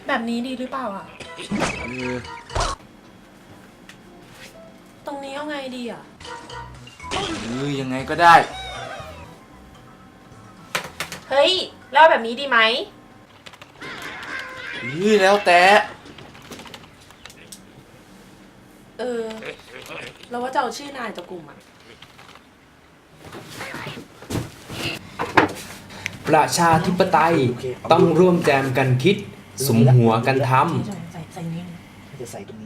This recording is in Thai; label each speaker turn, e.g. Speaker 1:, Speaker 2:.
Speaker 1: แบบนี้ดีหรือเปล่าอ่ะ
Speaker 2: เออ
Speaker 1: ตรงนี้เอาไงดีอ่ะ
Speaker 2: ยังไงก็ได้
Speaker 1: เฮ้ยแล้วแบบนี้ดีไหม
Speaker 2: แล้วแต่
Speaker 1: เราว่าจะเอาชื่อนายจากกลุ่มอ่ะ
Speaker 3: ประชาธิปไตยต้องร่วมแจมกันคิด สุมหัวกันทำ
Speaker 1: ใส่นี้
Speaker 4: จะใส่ตรง